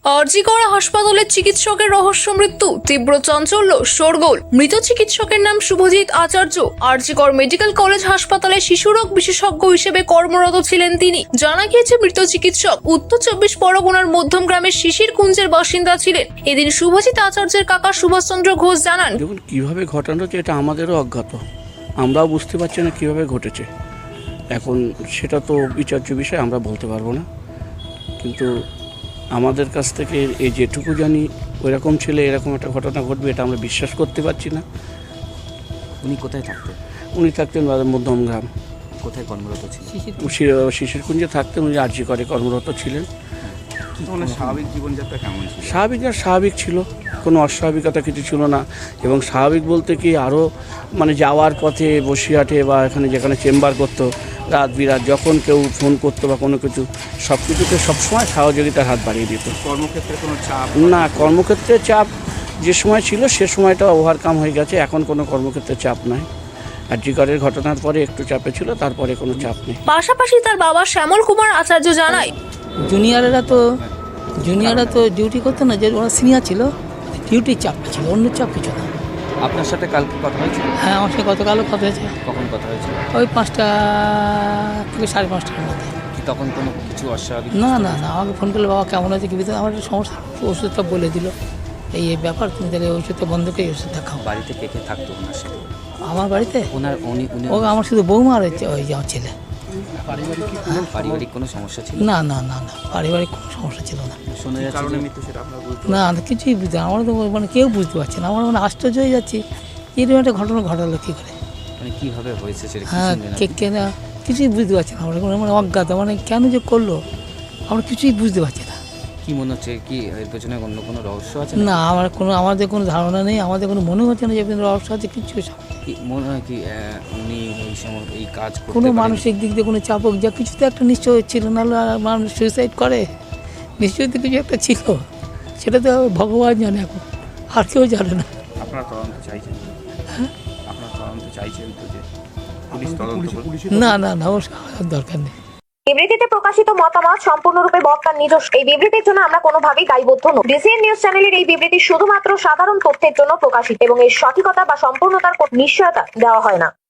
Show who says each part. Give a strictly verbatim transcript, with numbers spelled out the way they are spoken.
Speaker 1: আরজি কর হাসপাতালের চিকিৎসকের রহস্য মৃত্যু, তীব্র চাঞ্চল্য, শোরগোল। মৃত চিকিৎসকের নাম শুভজিৎ আচার্য। আরজি কর মেডিকেল কলেজ হাসপাতালে শিশুরোগ বিশেষজ্ঞ হিসেবে কর্মরত ছিলেন তিনি। জানা গিয়েছে মৃত চিকিৎসক উত্তর চব্বিশ পরগনার মধ্যম গ্রামের শিশির কুঞ্জের বাসিন্দা ছিলেন। এদিন শুভজিৎ আচার্যের কাকা সুভাষচন্দ্র ঘোষ জানান,
Speaker 2: দেখুন কিভাবে ঘটানো হচ্ছে এটা আমাদেরও অজ্ঞাত, আমরাও বুঝতে পারছি না কিভাবে ঘটেছে। এখন সেটা তো বিচার্য বিষয়, আমরা বলতে পারবো না। কিন্তু আমাদের কাছ থেকে এই যেটুকু জানি ওইরকম ছেলে এরকম একটা ঘটনা ঘটবে এটা আমরা বিশ্বাস করতে পারছি না।
Speaker 3: উনি কোথায় থাকতেন?
Speaker 2: উনি থাকতেন মধ্যম গ্রাম।
Speaker 3: কোথায় কর্মরত ছিলেন?
Speaker 2: শিশির কুঞ্জে থাকতেন, উনি আরজি করে কর্মরত ছিলেন।
Speaker 3: ওনার স্বাভাবিক জীবনযাত্রা কেমন ছিল?
Speaker 2: স্বাভাবিক আর স্বাভাবিক ছিল, কোনো অস্বাভাবিকতা কিছু ছিল না। এবং স্বাভাবিক বলতে কি আরও মানে যাওয়ার পথে বসিরহাটে বা এখানে যেখানে চেম্বার করতো রাত বিরাত যখন কেউ ফোন করতো বা কোনো কিছু সব কিছুতে সবসময় সহযোগিতার হাত বাড়িয়ে দিত।
Speaker 3: কর্মক্ষেত্রে কোনো চাপ?
Speaker 2: না, কর্মক্ষেত্রে চাপ যে সময় ছিল সে সময়টা ওভারকাম হয়ে গেছে, এখন কোনো কর্মক্ষেত্রে চাপ নাই। আরজি করের ঘটনার পরে একটু চাপে ছিল, তারপরে কোনো চাপ নেই।
Speaker 1: পাশাপাশি তার বাবা শ্যামল কুমার আচার্য জানায়,
Speaker 4: জুনিয়ররা তো জুনিয়ররা তো ডিউটি করতো না, যে ওরা সিনিয়র ছিল, ডিউটির চাপটা ছিল, অন্য চাপ কিছু না।
Speaker 3: আপনার সাথে কালকে কথা হয়েছিল?
Speaker 4: হ্যাঁ, আমার সাথে গতকালও কথা হয়েছে,
Speaker 3: কখন কথা হয়েছিল?
Speaker 4: ওই পাঁচটা থেকে সাড়ে পাঁচটার মধ্যে।
Speaker 3: কি তখন কোনো কিছু অস্বাভাবিক?
Speaker 4: না না না, আমাকে ফোন করলে বাবা কেমন আছে কি ভিতরে আমার একটা সমস্যা, ওষুধটা বলে দিল এই এই ব্যাপার, তুমি তাহলে ওষুধটা বন্ধ করে এই ওষুধটা খাও।
Speaker 3: বাড়িতে কে কে থাকতো ওনার সাথে?
Speaker 4: আমার বাড়িতে
Speaker 3: ওনার উনি উনি
Speaker 4: ও আমার শুধু বৌমা আর হচ্ছে ওই যে আমার ছেলে।
Speaker 3: পারিবারিক কোনো সমস্যা ছিল?
Speaker 4: না না না না, পারিবারিক কোনো সমস্যা ছিল না।
Speaker 3: শোনা যাচ্ছে কারণে মৃত্যু, সেটা আপনারা বুঝতে
Speaker 4: না না, কিছুই বুঝতে, আমরা তো মানে কেউ বুঝতে পারছি না, আমরা মানে আশ্চর্য হয়ে যাচ্ছি এরকম একটা ঘটনা ঘটালো কী করে।
Speaker 3: মানে কিভাবে হয়েছে সেটা কি
Speaker 4: হ্যাঁ,
Speaker 3: শুনলেন
Speaker 4: কে
Speaker 3: আপনি?
Speaker 4: কে না, কিছুই বুঝতে পারছি না আমরা, মানে অজ্ঞাত, মানে কেন যে করলো আমরা কিছুই বুঝতে পারছি না।
Speaker 3: কি মনে হচ্ছে, কি এর পেছনে অন্য কোনো রহস্য আছে?
Speaker 4: না, আমার কোনো আমাদের কোনো ধারণা নেই, আমাদের কোনো মনে হচ্ছে না যে এখানে রহস্য আছে, কিছু
Speaker 3: কি মনে হয় কি আহ, উনি এই সময় এই কাজ করতে
Speaker 4: কোনো
Speaker 3: পারেন?
Speaker 4: মানসিক দিক দিয়ে কোনো চাপক যা কিছু তো একটা নিশ্চয় ছিল, নাহলে আর মানুষ সুইসাইড করে, নিশ্চয়ই তো কিছু একটা ছিল, সেটা তো ভগবান জানে, এখন আর কেউ জানে না।
Speaker 3: আপনারা তদন্ত চাইছেন? হ্যাঁ, আপনারা তদন্ত চাইছেন তো যে পুলিশ তদন্ত করবে?
Speaker 4: না না না, ওর দরকার নেই।
Speaker 5: বিবৃতিতে প্রকাশিত মতামত সম্পূর্ণরূপে বক্তার নিজস্ব। এই বিবৃতির জন্য আমরা কোনোভাবেই দায়বদ্ধ নই। ডিসিএন নিউজ চ্যানেলের এই বিবৃতি শুধুমাত্র সাধারণ তথ্যের জন্য প্রকাশিত এবং এর সঠিকতা বা সম্পূর্ণতার কোনো নিশ্চয়তা দেওয়া হয় না।